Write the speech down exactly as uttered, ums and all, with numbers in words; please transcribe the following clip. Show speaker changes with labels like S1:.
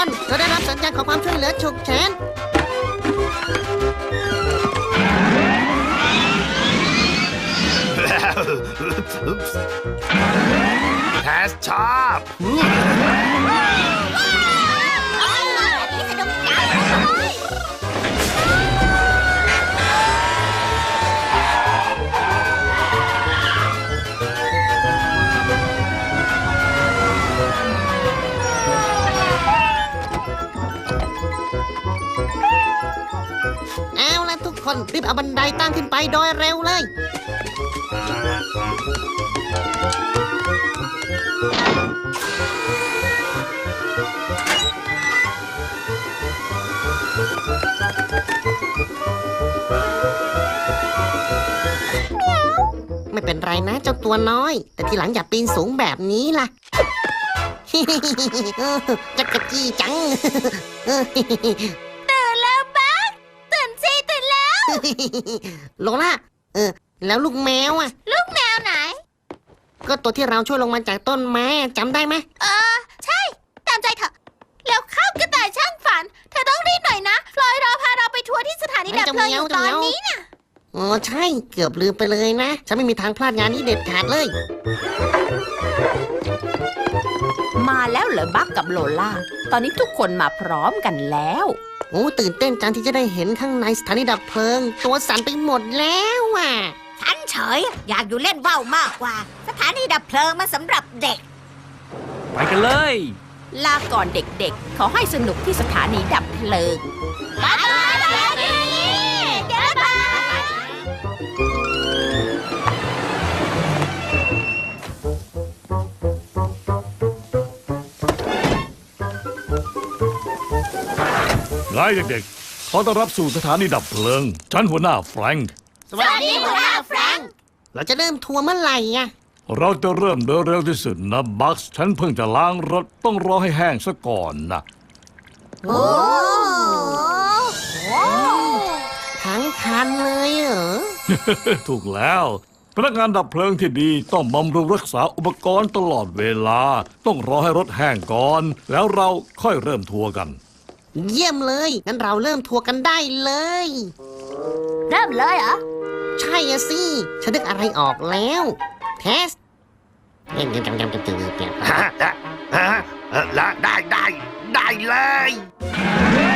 S1: คนเราได้รับสัญญาณขอความช่วยเหลือฉุกเฉิน
S2: แทสชอบ
S1: เอาละทุกคนรีบเอาบันไดตั้งขึ้นไปโดยเร็วเลยไม่เป็นไรนะเจ้าตัวน้อยแต่ทีหลังอย่าปีนสูงแบบนี้ล่ะ จักกะจี้จัง
S3: ตื่นแล้วบักตื่นสิตื่นแล้ว
S1: โลล่าเออแล้วลูกแมวอ่ะ
S3: ลูกแมวไหน
S1: ก็ตัวที่เราช่วยลงมาจากต้นไม้จำได้ไหม
S3: เออใช่ตามใจเถอะแล้วเข้ากระต่ายช่างฝันเธอต้องรีบหน่อยนะฟลอยรอพาเราไปทัวร์ที่สถานีดับเพลิงอยู่ตอนนี้น่ะ
S1: อ๋อใช่เกือบลืมไปเลยนะฉันไม่มีทางพลาดงานนี้เด็ดขาดเลย
S4: มาแล้วเหรอบักกับโลล่าตอนนี้ทุกคนมาพร้อมกันแล้ว
S1: โอ้ตื่นเต้นจังที่จะได้เห็นข้างในสถานีดับเพลิงตัวสั่นไปหมดแล้วอ่ะ
S3: ฉันเฉยอยากอยู่เล่นว่าวมากกว่าสถานีดับเพลิงมาสำหรับเด็ก
S5: ไปกันเลย
S4: ลาก่อนเด็กๆ ขอให้สนุกที่สถานีดับเพลิง
S3: บ๊ายบายบ๊ายบายบ๊ายบาย
S2: ไงเด็กๆขอต้อนรับสู่สถานีดับเพลิงฉันหัวหน้าแฟรงค์
S1: สวัสดีหัวหน้าแฟรงค์เราจะเริ่มทัวร์เมื่อไหร่อ่ะ
S2: เราจะเริ่มโดยเร็วที่สุดนะบัคฉันเพิ่งจะล้างรถต้องรอให้แห้งซะก่อนนะ
S1: โอ้ทั้งคันเลยเหรอ
S2: ถูกแล้วพนักงานดับเพลิงที่ดีต้องบำรุงรักษาอุปกรณ์ตลอดเวลาต้องรอให้รถแห้งก่อนแล้วเราค่อยเริ่มทัวร์กัน
S1: เยี่ยมเลยงั้นเราเริ่มทัวร์กันได้เลย
S3: เริ่มเลยเหรอ
S1: ใช่อะสิฉันนึกอะไรออกแล้วเทสเงี้ยเงี้ยเงี้ยเงี้ยเงี้ย
S2: ฮะฮะฮะได้ได้ได้เลย